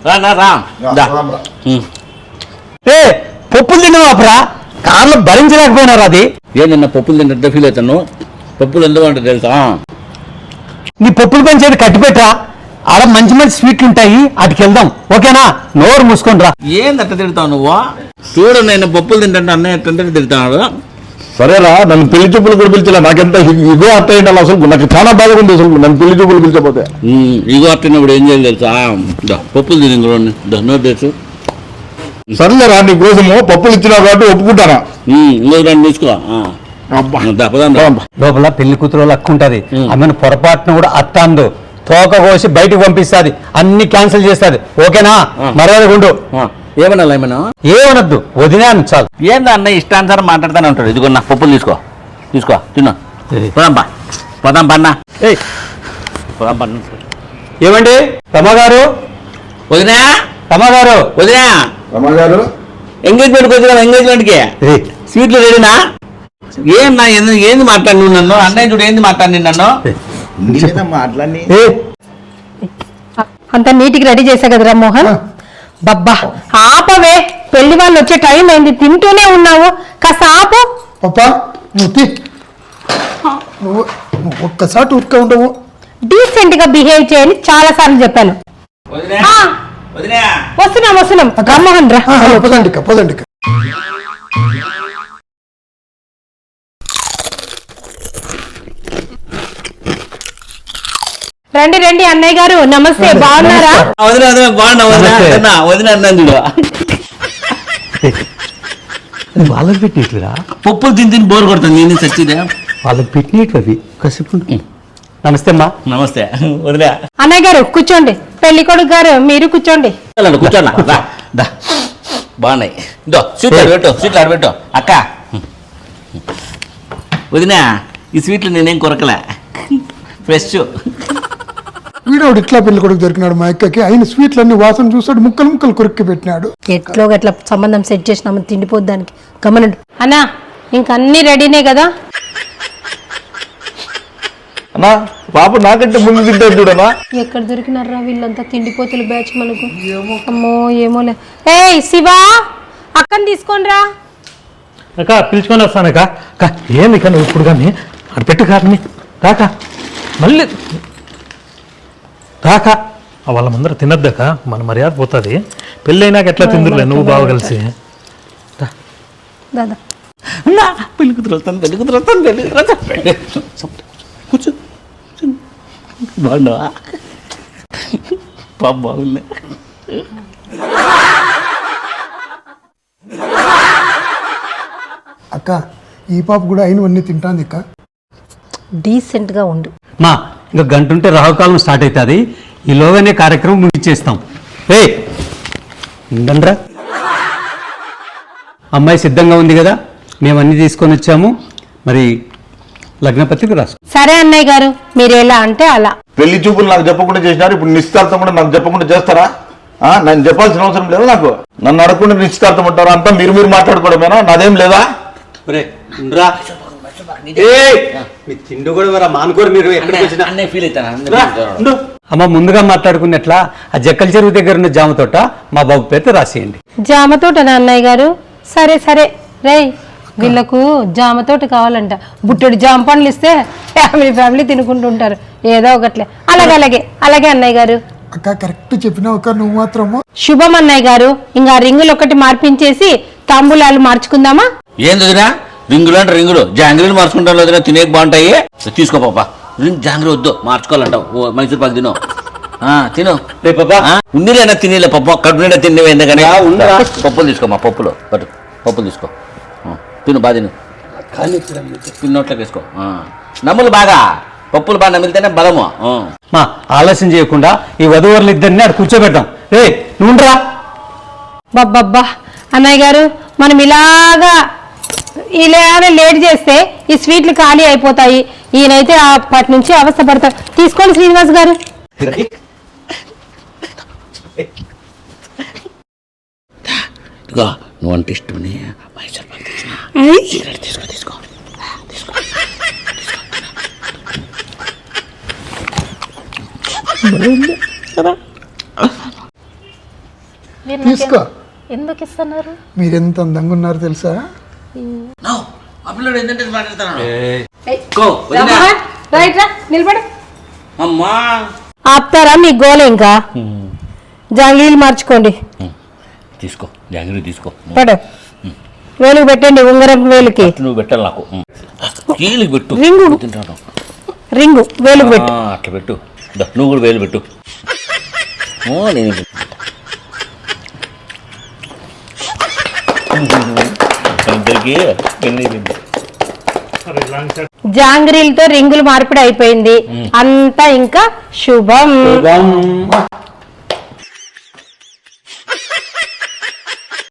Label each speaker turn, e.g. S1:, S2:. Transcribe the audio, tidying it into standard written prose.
S1: పప్పులు తిన్నావాపురా కార్లో భరించలేకపోయినారు. అది
S2: ఏంటన్నా పప్పులు తింటే ఫీల్ అవుతాను. పప్పులు ఎందుకు అంటే తెలుసా,
S1: నీ పప్పులు పెంచేది కట్టిపెట్టరా, ఆడ మంచి మంచి స్వీట్లు ఉంటాయి, వాటికి వెళ్దాం. ఓకేనా? నోరు మూసుకొని రా.
S2: ఏందట్ట తిడతావు నువ్వు? చూడు, నేను పప్పులు తింటే అన్నయ్య ఎట్టంటే తిడతాడు.
S3: సరేరా, నన్ను పెళ్లి చూపులు కూడా పిలిచలే, నాకెంత ఇగో అట్ట ఏంటి అసలు, నాకు చాలా బాధగా ఉంది అసలు నన్ను పెళ్లి చూపులు పిలిచకపోతే.
S2: ఇగో అట్టినప్పుడు ఏం చేయాలి తెలుసా, పప్పులు తిని నోరు తెలుసు.
S3: సరేలేరా, నీ కోసము పప్పులు ఇచ్చినావు కాబట్టి ఒప్పుకుంటానా.
S2: ఇంకో రెండు తీసుకో.
S1: లోపల పెళ్లి కూతురు లక్కు ఉంటది, ఆమెను పొరపాటున కూడా అత్తాందు తోక కోసి బయటకు పంపిస్తుంది, అన్ని క్యాన్సిల్ చేస్తుంది. ఓకేనా? మర్యాద గుండు.
S2: ఏమన్నా
S1: ఏమనద్దు, వదిలేను చాలు.
S2: ఏందా అన్న ఇష్టానుసారం మాట్లాడతానే ఉంటాడు. ఇదిగో నా పప్పులు తీసుకో, తీసుకో తిన్నా. పోదాంపా పోదాంపా అన్న, పోదాంపా.
S1: ఏమండి తమ్మగారు,
S2: వదినా
S1: తమ్మగారు,
S2: వదినా
S3: రమగారు,
S2: ఎంగేజ్మెంట్కి వచ్చిన ఎంగేజ్మెంట్కి స్వీట్లు రెడీనా? ఏమన్నా ఏంది మాట్లాడి నన్ను అన్నయ్య చూడు, ఏంది మాట్లాడి నన్ను
S3: మాట్లాడి
S4: అంత నీటికి రెడీ చేసా కదరా మోహన్. బబ్బా ఆపవే, పెళ్లి వాళ్ళు వచ్చే టైం అయింది, తింటూనే ఉన్నావు, కాస్త ఆపు.
S5: పప్పా నువ్వు నువ్వు ఒక్కసారి ఊరికే ఉండవు,
S4: డీసెంట్ గా బిహేవ్ చేయని చాలా సార్లు చెప్పాను. వస్తున్నాం వస్తున్నాం, రామ్మోహన్ రా.
S5: పదండి పదండి.
S4: రండి రండి అన్నయ్య గారు, నమస్తే, బాగున్నారా?
S2: బాగున్నా వదిన అన్నాను.
S1: వాళ్ళకి పెట్టినట్లురా,
S2: పప్పులు తిని తిని బోర్ కొడుతుంది. నేను చచ్చిదే
S1: వాళ్ళకి పెట్టినట్లు అవి. కసిపు. నమస్తే అమ్మా.
S2: నమస్తే వదిలే.
S4: అన్నయ్య గారు కూర్చోండి, పెళ్లి కొడుకు గారు మీరు కూర్చోండి.
S2: కూర్చోన్నా, బాగున్నాయి. స్వీట్లు పెట్టు, స్వీట్లు ఆడబెట్టు. అక్క వదినా, ఈ స్వీట్లు నేనేం కొరకలే, ఫ్రెష్.
S5: వీడోడు ఇట్లా పెళ్లి కొడుకు దొరికినాడు మా అక్కకి, అయిన స్వీట్లన్నీ వాసన చూస్తాడు, ముక్కలు ముక్కలు కొరికి పెట్టినాడు.
S4: ఎట్లో గట్లా సంబంధం సెట్ చేసినామని తిండిపోద్దానికి గమనండు. అన్నా ఇంకన్నీ రెడీనే కదా?
S3: అన్నా పాప నాకంటే ముందు తింటారు చూడనా.
S4: ఎక్కడ దొరికినారా వీళ్ళంతా తిండిపోతులు బ్యాచ్ మనకు. అమ్మో ఏమోలే. ఏ శివా, అక్కని తీసుకొని రా.
S1: అక్క పిలుచుకొని వస్తానక్క. అక్క ఏంది ఇక నువ్వు ఇప్పుడు కానీ అటు పెట్టు కాదని రాక, మళ్ళీ రాక వాళ్ళ ముందర తినద్దాక మన మర్యాద పోతుంది. పెళ్ళైనాక ఎట్లా తిందులే నువ్వు బాగా కలిసి.
S4: దాదా
S2: పెళ్లి కూతురు వస్తాను, పెళ్లి కూతురు వస్తాను, పెళ్లి కూతురు కూర్చో. బాగున్నావా? పాప బాగుంది.
S5: అక్క ఈ పాప కూడా అయినవన్నీ తింటాంది అక్క.
S4: డీసెంట్ గా ఉండు
S1: మా. ఇంకా గంట ఉంటే రాహుకాలం స్టార్ట్ అవుతుంది, ఈలోగానే కార్యక్రమం ముగించేస్తాం. ఉండరా, అమ్మాయి సిద్ధంగా ఉంది కదా, మేము అన్ని తీసుకొని వచ్చాము. మరి లగ్నపత్రిక రాసు.
S4: సరే అన్నయ్య గారు, మీరు ఎలా అంటే అలా.
S3: పెళ్లి చూపులు నాకు చెప్పకుండా చేసినారు, ఇప్పుడు నిశ్చితార్థం కూడా నాకు చెప్పకుండా చేస్తారా? నన్ను చెప్పాల్సిన అవసరం లేదు నాకు. నన్ను అడగకుండా నిశ్చితార్థం ఉంటారా? అంతా మీరు మీరు మాట్లాడుకోవడమేనా? నాదేం లేదా?
S1: అమ్మ ముందుగా మాట్లాడుకున్నట్లా ఆ జక్కల చెరువు దగ్గర ఉన్న జామ తోట మా బాబు పేరు రాసేయండి.
S4: జామ తోటనా అన్నయ్య గారు? సరే సరే రేయ్, వీళ్ళకు జామ తోట కావాలంట. బుట్టెడు జామ పండ్లు ఇస్తే ఫ్యామిలీ తినుకుంటుంటారు ఏదో ఒకట్లే. అలాగే అలాగే అలాగే అన్నయ్య గారు.
S5: అక్క కరెక్ట్ చెప్పినావు అక్క, నువ్వు మాత్రము.
S4: శుభం అన్నయ్య గారు. ఇంకా రింగులు ఒకటి మార్పించేసి తాంబూలాలు మార్చుకుందామా?
S2: ఏంది వదినా, రింగులు అంటే రింగులు, జాంగ్రీలు మార్చుకుంటారు వదినా, తినేక బాగుంటాయి. తీసుకో పాప, జాంగ్రీ వద్దు, మార్చుకోవాలంటావు. మైసూర్ పాకు తిను, తిను ఉండిలేనా, తినేలే పప్పు కడుపు నిండా తినేవి. ఎందుకని పప్పులు తీసుకోమా, పప్పులు పట్టు, పప్పులు తీసుకో, తిను బాగా తిను, తిన్నోట్లోకి వేసుకో. నమ్ములు బాగా, పప్పులు బాగా నమిలితేనే బలము.
S1: మా ఆలస్యం చేయకుండా ఈ వధువరులు ఇద్దరిని అక్కడ కూర్చోబెడతాం. నువ్వురా.
S4: బాబ్బా అన్నయ్య గారు, మనం ఇలాగా లేట్ చేస్తే ఈ స్వీట్లు ఖాళీ అయిపోతాయి. ఈయనైతే అప్పటి నుంచి అవస్థపడతారు. తీసుకోండి శ్రీనివాస్ గారు.
S2: నువ్వు అంటే ఇష్టం మైసూర్ పాకు తీసుకో, తీసుకో, తీసుకో.
S6: మీరు
S5: తీసుకో.
S6: ఎందుకు ఇస్తున్నారు?
S5: మీరు ఎంత అందంగా ఉన్నారు తెలుసా?
S2: నో, ఆ పిల్లడు ఏంటంటే మాట్లాడుతున్నాడు.
S4: రైట్ రా నిలబడు.
S2: అమ్మా
S4: ఆపుతారా మీ గోల ఇంకా? జాంగ్లీలు మార్చుకోండి.
S2: తీసుకో, జాంగ్రీ తీసుకో.
S4: పడు వేలుకు పెట్టండి, ఉంగరం వేలుకి
S2: నువ్వు పెట్టాలి నాకు. కీలికి పెట్టు.
S4: రింగు.
S2: తింటాను.
S4: రింగు వేలుకు పెట్టు.
S2: అట్లా పెట్టు. దా, నువ్వు కూడా వేలు పెట్టు. నేను ఇద్దరికి
S4: జాంగ్రీలతో రింగులు మార్పిడి అయిపోయింది. అంతా ఇంకా శుభం.